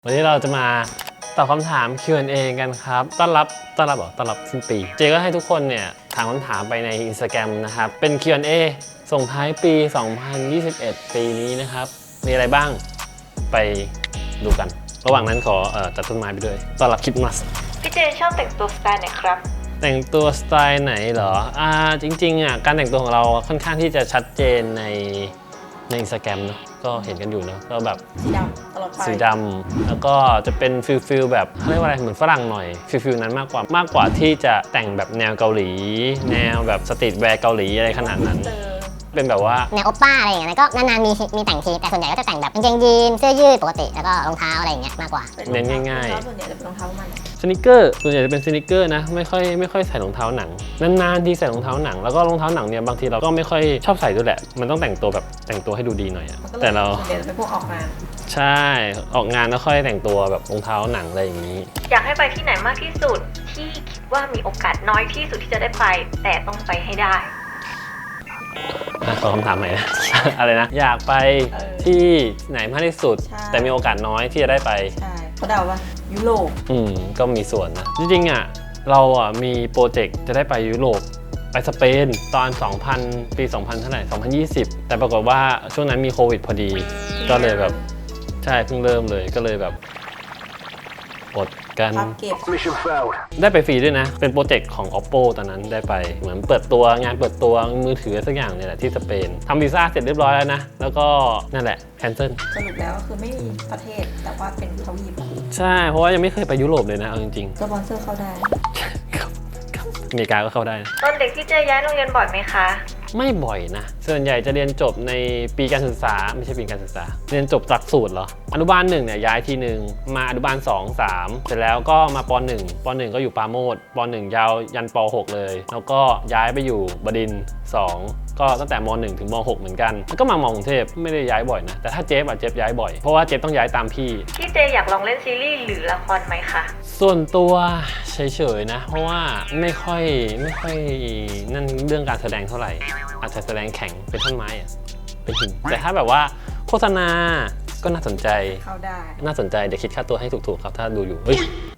วันนี้เราจะมาตอบคำถาม Q&A กันครับต้อนรับสิ้นปีเจก็ให้ทุกคนเนี่ยถามคำถามไปใน Instagram นะครับเป็น Q&A ส่งท้ายปี 2021 ปีนี้นะครับมีอะไรบ้างไปดูกันระหว่างนั้นขอจัดต้นไม้ไปด้วยต้อนรับคริสต์มาสพี่เจชอบแต่งตัวสไตล์ไหนครับแต่งตัวสไตล์ไหนเหรอจริงๆการแต่งตัวของเราค่อนข้างที่จะชัดเจนใน Instagram เนาะก็เห็นกันอยู่เนาะก็แบบสีดำตลอดไปสีดำแล้วก็จะเป็นฟิลแบบเขาเรียกว่าอะไรเหมือนฝรั่งหน่อยฟิลนั้นมากกว่าที่จะแต่งแบบแนวเกาหลีแนวแบบสตรีทแวร์เกาหลีอะไรขนาดนั้นเป็นแบบว่าแนวโอปป้าอะไรอย่างเงี้ยก็นานๆมีแต่งทีแต่ส่วนใหญ่ก็จะแต่งแบบกางเกงยีนเสื้อยืดปกติแล้วก็รองเท้าอะไรอย่างเงี้ยมากกว่าเน้นง่ายๆส่วนใหญ่จะเป็นรองเท้ามันสนิเกอร์ส่วนใหญ่จะเป็นสนิเกอร์นะไม่ค่อยใส่รองเท้าหนังนานๆที่ใส่รองเท้าหนังแล้วก็รองเท้าหนังเนี่ยบางทีเราก็ไม่ค่อยชอบใส่ด้วยแหละมันต้องแต่งตัวแบบแต่งตัวให้ดูดีหน่อยแต่เราส่วนใหญ่จะเป็นพวกออกงานใช่ออกงานแล้วค่อยแต่งตัวแบบรองเท้าหนังอะไรอย่างนี้อยากให้ไปที่ไหนมากที่สุดที่คิดว่ามีโอกาสน้อยที่สุดที่จะได้ไปแต่ต้องไปให้ได้ขอคำถามใหม่นะ อะไรนะอยากไปที่ไหนมากที่สุดแต่มีโอกาสน้อยที่จะได้ไปใช่เขาเดาว่ายุโรปก็มีส่วนนะจริงๆเรามีโปรเจกต์จะได้ไปยุโรปไปสเปนตอน2000ปี2000เท่าไหร่2020แต่ปรากฏว่าช่วงนั้นมีโควิดพอดีก็เลยแบบใช่เพิ่งเริ่มเลยก็เลยแบบอดกันได้ไปฟรีด้วยนะเป็นโปรเจกต์ของ Oppo ตอนนั้นได้ไปเหมือนเปิดตัวงานเปิดตัวมือถือสักอย่างเนี่ยแหละที่สเปนทำวีซ่าเสร็จเรียบร้อยแล้วนะแล้วก็นั่นแหละแคนเซิลสรุปแล้วคือไม่มีประเทศแต่ว่าเป็นทวีปใช่เพราะว่ายังไม่เคยไปยุโรปเลยนะเอาจริงๆสปอนเซอร์เข้าได้อเมริกาก็เข้าได้ตอนเด็กที่เจย้ายโรงเรียนบ่อยไหมคะไม่บ่อยนะส่วนใหญ่จะเรียนจบในปีการศึกษาไม่ใช่ปีการศึกษาเรียนจบหลักสูตรเหรออนุบาล1เนี่ยย้ายทีนึงมาอนุบาล2 3เสร็จแล้วก็มาป1ก็อยู่ปราโมทป1ยาวยันป6เลยแล้วก็ย้ายไปอยู่บดินทร์2ก็ตั้งแต่ม1ถึงม6เหมือนกันแล้วก็มากรุงเทพไม่ได้ย้ายบ่อยนะแต่ถ้าเจฟย้ายบ่อยเพราะว่าเจฟต้องย้ายตามพี่เจอยากลองเล่นซีรีส์หรือละครไหมคะส่วนตัวเฉยๆนะเพราะว่าไม่ค่อยนั่นเรื่องการแสดงเท่าไหร่อาจจะแสดงแข็งเป็นต้นไม้อะเป็นหินแต่ถ้าแบบว่าโฆษณาก็น่าสนใจเข้าได้น่าสนใจเดี๋ยวคิดค่าตัวให้ถูกๆครับถ้าดูอยู่เฮ้ย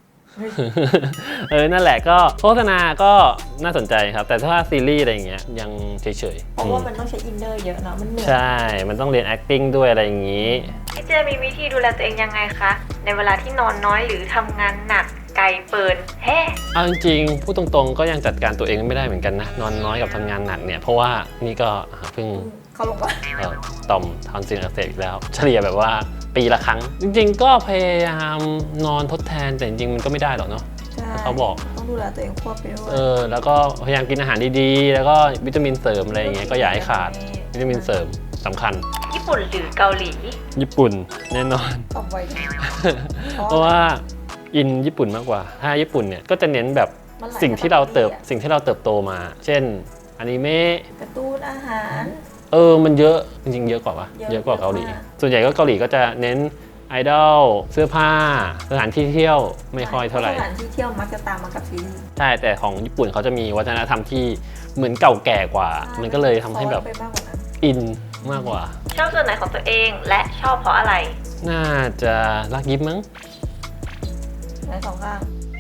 นั่นแหละก็โฆษณาก็น่าสนใจครับแต่ถ้าซีรีส์อะไรอย่างเงี้ยยังเฉยๆเพราะว่ามันต้องใช้อินเนอร์เยอะเนาะมันเหนื่อยใช่มันต้องเรียน acting ด้วยอะไรอย่างงี้พี่เจมีวิธีดูแลตัวเองยังไงคะในเวลาที่นอนน้อยหรือทำงานหนักไกลเปินเอาจริงๆพูดตรงๆก็ยังจัดการตัวเองไม่ได้เหมือนกันนะนอนน้อยกับทำงานหนักเนี่ยเพราะว่านี่ก็เพิ่งเข้าลงไปต่อมทอนซิลอักเสบอีกแล้วเฉลี่ยแบบว่าปีละครั้งจริงๆก็พยายามนอนทดแทนแต่จริงๆมันก็ไม่ได้หรอกเนาะเขาบอกต้องดูแลตัวเองควบไปด้วยแล้วก็พยายามกินอาหารดีๆแล้วก็วิตามินเสริมอะไรอย่างเงี้ยก็อย่าให้ขาดวิตามินเสริมสำคัญญี่ปุ่นหรือเกาหลีญี่ปุ่นแน่นอนตอบไวเพราะว่าอินญี่ปุ่นมากกว่าถ้าญี่ปุ่นเนี่ยก็จะเน้นแบบสิ่งที่เราเติบโตมาเช่นอนิเมะการ์ตูนอาหารมันเยอะจริงๆเยอะกว่าเยอะกว่าเกาหลีส่วนใหญ่ก็เกาหลีก็จะเน้นไอดอลเสื้อผ้าสถานที่เที่ยวไม่ค่อยเท่าไหร่สถานที่เที่ยวมักจะตามมากับซีรีส์ใช่แต่ของญี่ปุ่นเขาจะมีวัฒนธรรมที่เหมือนเก่าแก่กว่ามันก็เลยทำให้แบบอินมากกว่าชอบส่วนไหนของตัวเองและชอบเพราะอะไรน่าจะรักยิ้มมั้งในสองข้าง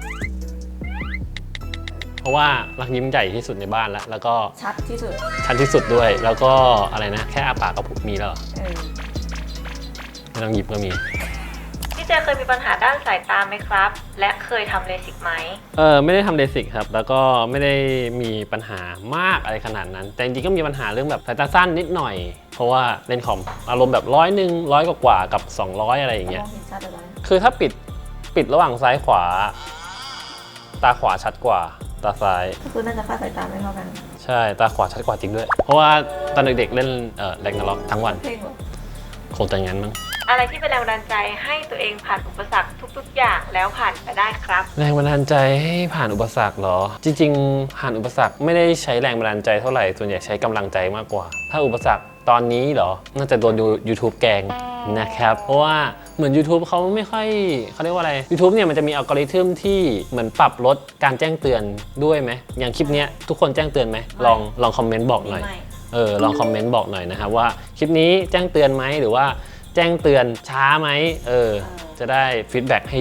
เพราะว่ารักยิ้มใหญ่ที่สุดในบ้านแล้วก็ชัดที่สุดด้วยแล้วก็อะไรนะแค่อาปากก็มีแล้วไม่ต้องหยิบก็มีพี่เจเคยมีปัญหาด้านสายตาไหมครับและเคยทำเลสิกไหมไม่ได้ทำเลสิกครับแล้วก็ไม่ได้มีปัญหามากอะไรขนาดนั้นแต่จริงๆก็มีปัญหาเรื่องแบบสายตาสั้นนิดหน่อยเพราะว่าเล่นคอมอารมณ์แบบ100กว่ากับ200อะไรอย่างเงี้ยคือถ้าปิดระหว่างซ้ายขวาตาขวาชัดกว่าตาซ้ายก็คือน่าจะค่าสายตาไม่เท่ากันใช่ตาขวาชัดกว่าจริงด้วยเพราะว่าตอนเด็กๆเล่นแรงนาล็อกทั้งวันคงจะงั้นมั้งอะไรที่เป็นแรงบันดาลใจให้ตัวเองผ่านอุปสรรคทุกๆอย่างแล้วผ่านไปได้ครับแรงบันดาลใจให้ผ่านอุปสรรคเหรอจริงๆผ่านอุปสรรคไม่ได้ใช้แรงบันดาลใจเท่าไหร่ส่วนใหญ่ใช้กำลังใจมากกว่าถ้าอุปสรรคตอนนี้เหรอน่าจะโดนYouTube แกงนะครับเพราะว่าเหมือน YouTube เขาไม่ค่อยเขาเรียกว่าอะไร YouTube เนี่ยมันจะมีอัลกอริทึมที่เหมือนปรับลดการแจ้งเตือนด้วยไหมอย่างคลิปนี้ทุกคนแจ้งเตือนไหมลองคอมเมนต์บอกหน่อยลองคอมเมนต์บอกหน่อยนะครับว่าคลิปนี้แจ้งเตือนไหมหรือว่าแจ้งเตือนช้าไหมจะได้ฟีดแบ็กให้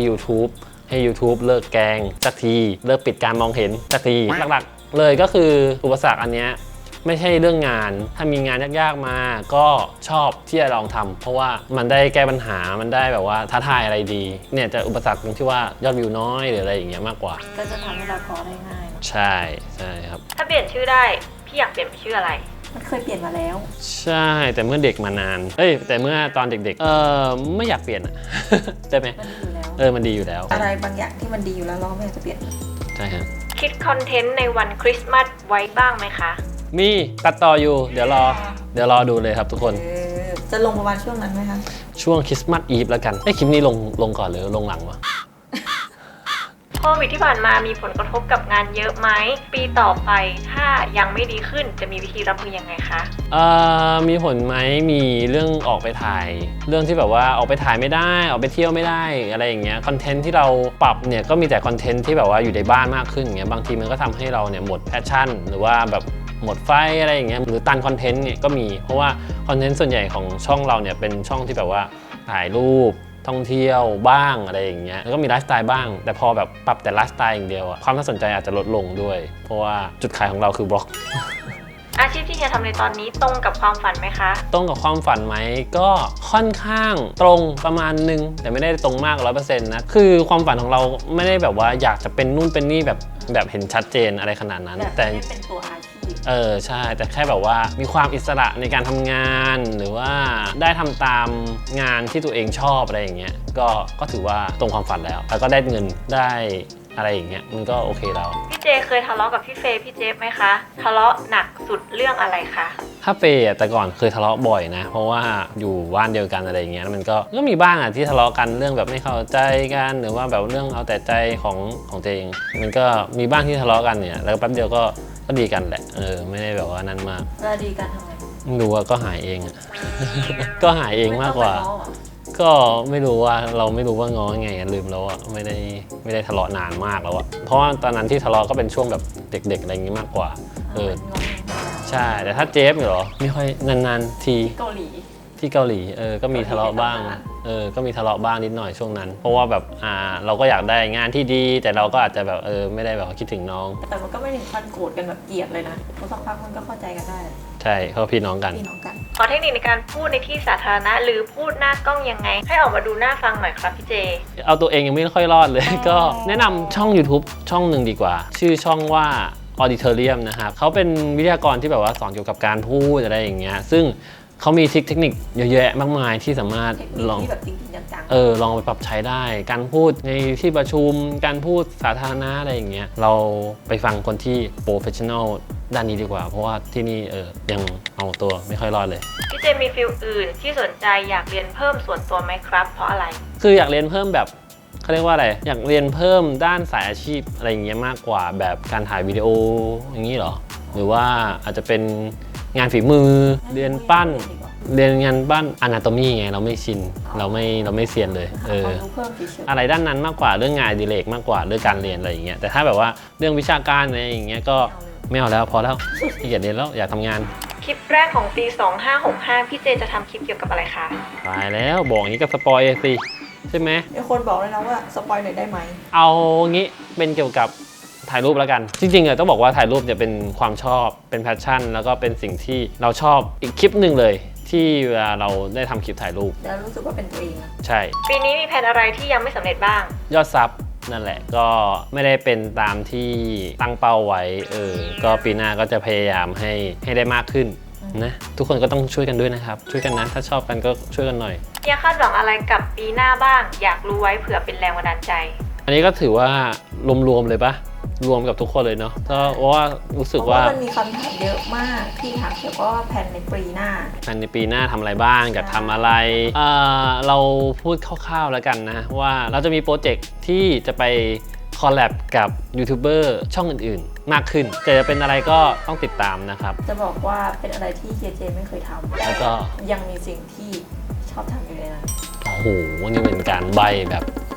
YouTube เลิกแกล้งสักทีเลิกปิดการมองเห็นสักทีหลักๆเลยก็คืออุปสรรคอันเนี้ยไม่ใช่เรื่องงานถ้ามีงานยากๆมาก็ชอบที่จะลองทำเพราะว่ามันได้แก้ปัญหามันได้แบบว่าท้าทายอะไรดีเนี่ยจะอุปสรรคตรงที่ว่ายอดวิวน้อยหรืออะไรอย่างเงี้ยมากกว่าก็จะทำให้เราท้อได้ง่ายใช่ครับถ้าเปลี่ยนชื่อได้พี่อยากเปลี่ยนเป็นชื่ออะไรมันเคยเปลี่ยนมาแล้วใช่แต่เมื่อเด็กมานานแต่เมื่อตอนเด็กๆไม่อยากเปลี่ยนใช่ไหมมันดีอยู่แล้วอะไรบางอย่างที่มันดีอยู่แล้วเราไม่อยากจะเปลี่ยนใช่ฮะคิดคอนเทนต์ในวันคริสต์มาสไว้บ้างไหมคะมีตัดต่ออยู่เดี๋ยวรอดูเลยครับทุกคนจะลงประมาณช่วงนั้นไหมคะช่วงคริสต์มาสอีฟแล้วกันคลิปนี้ลงก่อนหรือลงหลังวะโควิดที่ผ่านมามีผลกระทบกับงานเยอะไหมปีต่อไปถ้ายังไม่ดีขึ้นจะมีวิธีรับมือยังไงคะมีผลไหมมีเรื่องออกไปถ่ายเรื่องที่แบบว่าออกไปถ่ายไม่ได้ออกไปเที่ยวไม่ได้อะไรอย่างเงี้ยคอนเทนต์ที่เราปรับเนี่ยก็มีแต่คอนเทนต์ที่แบบว่าอยู่ในบ้านมากขึ้นอย่างเงี้ยบางทีมันก็ทำให้เราเนี่ยหมดแพชชั่นหรือว่าแบบหมดไฟอะไรอย่างเงี้ยหรือตันคอนเทนต์เนี่ยก็มีเพราะว่าคอนเทนต์ส่วนใหญ่ของช่องเราเนี่ยเป็นช่องที่แบบว่าถ่ายรูปท่องเที่ยวบ้างอะไรอย่างเงี้ยแล้วก็มีไลฟ์สไตล์บ้างแต่พอแบบปรับแต่ไลฟ์สไตล์อย่างเดียวความน่าสนใจอาจจะลดลงด้วยเพราะว่าจุดขายของเราคือบล็อกอาชีพที่จะทำในตอนนี้ตรงกับความฝันไหมคะตรงกับความฝันไหมก็ค่อนข้างตรงประมาณนึงแต่ไม่ได้ตรงมาก 100% นะคือความฝันของเราไม่ได้แบบว่าอยากจะเป็นนู่นเป็นนี่แบบเห็นชัดเจนอะไรขนาดนั้นแต่เป็นตัวอาชีพใช่แต่แค่แบบว่ามีความอิสระในการทำงานหรือว่าได้ทำตามงานที่ตัวเองชอบอะไรอย่างเงี้ยก็ถือว่าตรงความฝันแล้วก็ได้เงินได้อะไรอย่างเงี้ยมันก็โอเคแล้วพี่เจเคยทะเลาะกับพี่เฟย์พี่เจฟไหมคะทะเลาะหนักสุดเรื่องอะไรคะถ้าเฟย์แต่ก่อนเคยทะเลาะบ่อยนะเพราะว่าอยู่บ้านเดียวกันอะไรอย่างเงี้ยมันก็มีบ้างที่ทะเลาะกันเรื่องแบบไม่เข้าใจกันหรือว่าแบบเรื่องเอาแต่ใจของตัวเองมันก็มีบ้างที่ทะเลาะกันเนี่ยแล้วแป๊บเดียวก็ดีกันแหละไม่ได้แบบว่านั้นมากแล้วดีกันทำไงรู้ว่าก็หายเอง ก็หายเองมากกว่าก็ไม่รู้ว่าเราไม่รู้ว่าง้อไงลืมแล้วไม่ได้ทะเลาะนานมากแล้วเพราะว่าตอนนั้นที่ทะเลาะก็เป็นช่วงแบบเด็กๆอะไรอย่างงี้มากกว่าใช่แต่ถ้าเจฟเหรอไม่ค่อยนานๆทีที่เกาหลีก็มีทะเลาะบ้างก็มีทะเลาะบ้างนิดหน่อยช่วงนั้นเพราะว่าแบบเราก็อยากได้งานที่ดีแต่เราก็อาจจะแบบไม่ได้แบบคิดถึงน้องแต่มันก็ไม่ถึงขั้นโกรธกันแบบเกลียดเลยนะเพราะสักพักมันก็เข้าใจกันได้ใช่เขาพี่น้องกันขอเทคนิคในการพูดในที่สาธารณะหรือพูดหน้ากล้องยังไงให้ออกมาดูน่าฟังหน่อยครับพี่เจเอาตัวเองยังไม่ค่อยรอดเลยก็แนะนำช่อง YouTube ช่องหนึ่งดีกว่าชื่อช่องว่า Auditorium นะครับเขาเป็นวิทยากรที่แบบว่าสอนเกี่ยวกับการพูดอะไรอย่างเงี้ยซึ่งเขามีเทคนิคเยอะแยะมากมายที่สามารถลองลองไปปรับใช้ได้การพูดในที่ประชุมการพูดสาธารณะอะไรอย่างเงี้ยเราไปฟังคนที่โปรเฟชชั่นอลด้านนี้ดีกว่าเพราะว่าที่นี่ยังเอาตัวไม่ค่อยรอดเลยพี่เจมีฟิลอื่นที่สนใจอยากเรียนเพิ่มส่วนตัวไหมครับเพราะอะไรคืออยากเรียนเพิ่มแบบเขาเรียกว่าอะไรอยากเรียนเพิ่มด้านสายอาชีพอะไรอย่างเงี้ยมากกว่าแบบการถ่ายวิดีโออย่างนี้หรอหรือว่าอาจจะเป็นงานฝีมือเรียนปั้นเรียนงานบ้านอนาโตมีไงเราไม่ชินเราไม่เซียนเลยอะไรด้านนั้นมากกว่าเรื่องงานดิเลกมากกว่าเรื่องการเรียนอะไรอย่างเงี้ยแต่ถ้าแบบว่าเรื่องวิชาการอะไรอย่างเงี้ยก็ไม่เอาแล้วพอแล้วอยากเรียนแล้วอยากทำงานคลิปแรกของปี2565พี่เจจะทำคลิปเกี่ยวกับอะไรคะตายแล้วบอกอย่างนี้กับสปอยสิใช่ไหมมีคนบอกเลยนะว่าสปอยหน่อยได้ไหมเอางี้เป็นเกี่ยวกับถ่ายรูปแล้วกันจริงๆต้องบอกว่าถ่ายรูปจะเป็นความชอบเป็นแพชชั่นแล้วก็เป็นสิ่งที่เราชอบอีกคลิปหนึ่งเลยที่เวลาเราได้ทำคลิปถ่ายรูปแล้วรู้สึกว่าเป็นตัวเองใช่ปีนี้มีแผนอะไรที่ยังไม่สำเร็จบ้างยอดซับนั่นแหละก็ไม่ได้เป็นตามที่ตั้งเป้าไว้ก็ปีหน้าก็จะพยายามให้ได้มากขึ้นนะทุกคนก็ต้องช่วยกันด้วยนะครับช่วยกันนะถ้าชอบกันก็ช่วยกันหน่อยอยากคาดหวังอะไรกับปีหน้าบ้างอยากรู้ไว้เผื่อเป็นแรงบันดาลใจอันนี้ก็ถือว่ารวมๆเลยปะรวมกับทุกคนเลยเนาะเพราะว่ารู้สึกว่ามันมีคำถามเยอะมากที่ถามเกี่ยวกับแผนในปีหน้าทำอะไรบ้างอยากทำอะไรเราพูดคร่าวๆแล้วกันนะว่าเราจะมีโปรเจกต์ที่จะไปคอลแลบกับยูทูบเบอร์ช่องอื่นๆมากขึ้นแต่จะเป็นอะไรก็ต้องติดตามนะครับจะบอกว่าเป็นอะไรที่เฮียเจไม่เคยทำแล้วก็ยังมีสิ่งที่ชอบทำอยู่เลยนะโอ้โหนี่เป็นการใบแบบ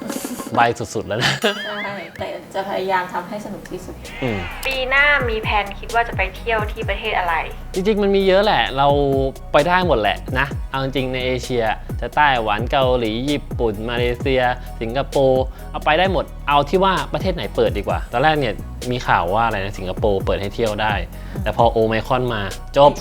ใบสุดๆแล้วนะใช่แต่จะพยายามทำให้สนุกที่สุดปีหน้ามีแผนคิดว่าจะไปเที่ยวที่ประเทศอะไรจริงๆมันมีเยอะแหละเราไปได้หมดแหละนะเอาจริงๆในเอเชียจะไต้หวันเกาหลีญี่ปุ่นมาเลเซีย สิงคโปร์เอาไปได้หมดเอาที่ว่าประเทศไหนเปิดดีกว่าตอนแรกเนี่ยมีข่าวว่าอะไรนะสิงคโปร์เปิดให้เที่ยวได้แต่พอโอไมครอนมาจบ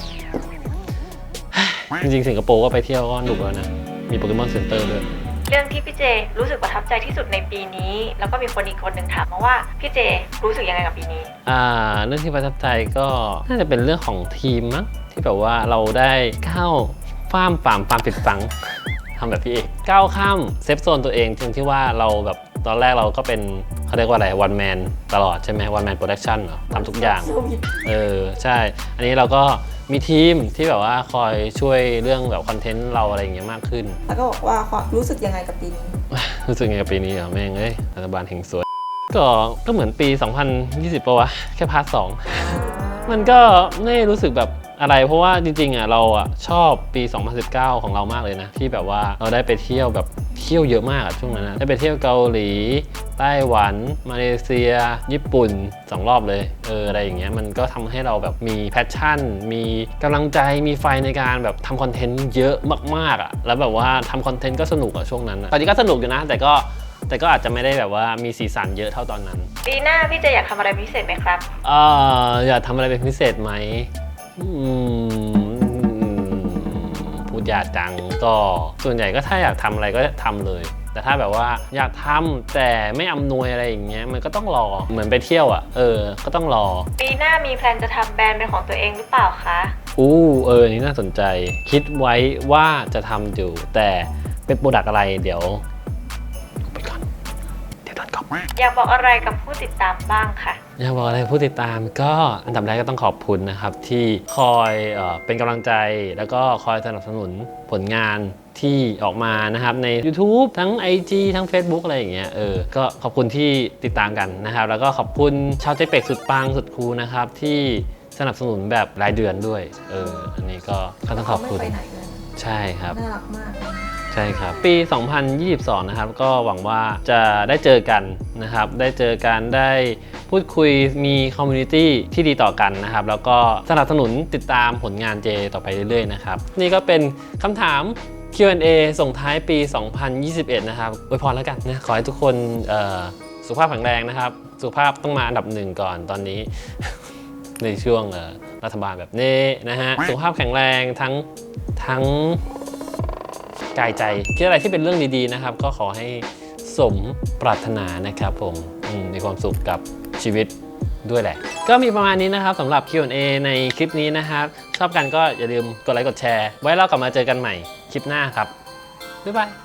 จริงๆสิงคโปร์ก็ไปเที่ยวก็หนุกแล้วนะมีโปเกมอนเซ็นเตอร์ด้วยเรื่องที่พี่เจรู้สึกประทับใจที่สุดในปีนี้ แล้วก็มีคนอีกคนหนึ่งถามมาว่าพี่เจรู้สึกยังไงกับปีนี้เรื่องที่ประทับใจก็น่าจะเป็นเรื่องของทีมมั้งที่แบบว่าเราได้ก้าวฝ่ามผิดฝัง ทำแบบพี่เอกก้าวข้ามเซฟโซนตัวเองจริงที่ว่าเราแบบตอนแรกเราก็เป็นเขาเรียกว่าอะไรวันแมนตลอดใช่ไหมวันแมนโปรดักชั่นเหรอทำทุกอย่างใช่อันนี้เราก็มีทีมที่แบบว่าคอยช่วยเรื่องแบบคอนเทนต์เราอะไรอย่างเงี้ยมากขึ้นแล้วก็บอกว่ารู้สึกยังไงกับปีนี้รู้สึกไงกับปีนี้เหรอแม่งรัฐบาลแห่งสวยก็เหมือนปี 2020 ปะวะแค่พาร์ท 2มันก็ไม่รู้สึกแบบอะไรเพราะว่าจริงๆอ่ะเราอ่ะชอบปี 2019 ของเรามากเลยนะที่แบบว่าเราได้ไปเที่ยวแบบเที่ยวเยอะมากช่วงนั้นนะได้ไปเที่ยวเกาหลีไต้หวันมาเลเซียญี่ปุ่น2 รอบเลยอะไรอย่างเงี้ยมันก็ทำให้เราแบบมีแพชชั่นมีกำลังใจมีไฟในการแบบทำคอนเทนต์เยอะมากๆอ่ะแล้วแบบว่าทำคอนเทนต์ก็สนุกอ่ะช่วงนั้นตอนนี้ก็สนุกอยู่นะแต่ก็อาจจะไม่ได้แบบว่ามีสีสันเยอะเท่าตอนนั้นปีหน้าพี่เจอยากทำอะไรพิเศษไหมครับอยากทำอะไรเป็นพิเศษไหมพูดยากจังก็ส่วนใหญ่ก็ถ้าอยากทำอะไรก็ทำเลย แต่ถ้าแบบว่าอยากทำแต่ไม่อำนวยอะไรอย่างเงี้ยมันก็ต้องรอเหมือนไปเที่ยวอ่ะก็ต้องรอปีหน้ามีแพลนจะทำแบรนด์เป็นของตัวเองหรือเปล่าคะนี่น่าสนใจคิดไว้ว่าจะทำอยู่แต่เป็นโปรดักต์อะไรเดี๋ยวไปก่อนเดี๋ยวตอนก่อนอยากบอกอะไรกับผู้ติดตามบ้างค่ะอยากบอกอะไรผู้ติดตามก็อันดับแรกก็ต้องขอบคุณนะครับที่คอยเป็นกำลังใจแล้วก็คอยสนับสนุนผลงานที่ออกมานะครับใน YouTube ทั้ง IG ทั้ง Facebook อะไรอย่างเงี้ยก็ขอบคุณที่ติดตามกันนะครับแล้วก็ขอบคุณชาวเจ๊เป็กสุดปังสุดคูลนะครับที่สนับสนุนแบบรายเดือนด้วยอันนี้ก็ต้องขอบคุณไม่ไปไหนเลยใช่ครับน่ารักมากใช่ครับปี 2022 นะครับก็หวังว่าจะได้เจอกันนะครับได้เจอกันได้พูดคุยมีคอมมูนิตี้ที่ดีต่อกันนะครับแล้วก็สนับสนุนติดตามผลงานเจต่อไปเรื่อยๆนะครับนี่ก็เป็นคำถาม Q&A ส่งท้ายปี 2021 นะครับอวยพรแล้วกันนะขอให้ทุกคนสุขภาพแข็งแรงนะครับสุขภาพต้องมาอันดับ 1ก่อนตอนนี้ ในช่วงรัฐบาลแบบนี้นะฮะสุขภาพแข็งแรงทั้งกายใจคิดอะไรที่เป็นเรื่องดีๆนะครับก็ขอให้สมปรารถนานะครับผมมีความสุขกับชีวิตด้วยแหละก็มีประมาณนี้นะครับสำหรับ Q&A ในคลิปนี้นะครับชอบกันก็อย่าลืมกดไลค์กดแชร์ไว้เรากลับมาเจอกันใหม่คลิปหน้าครับบ๊ายบาย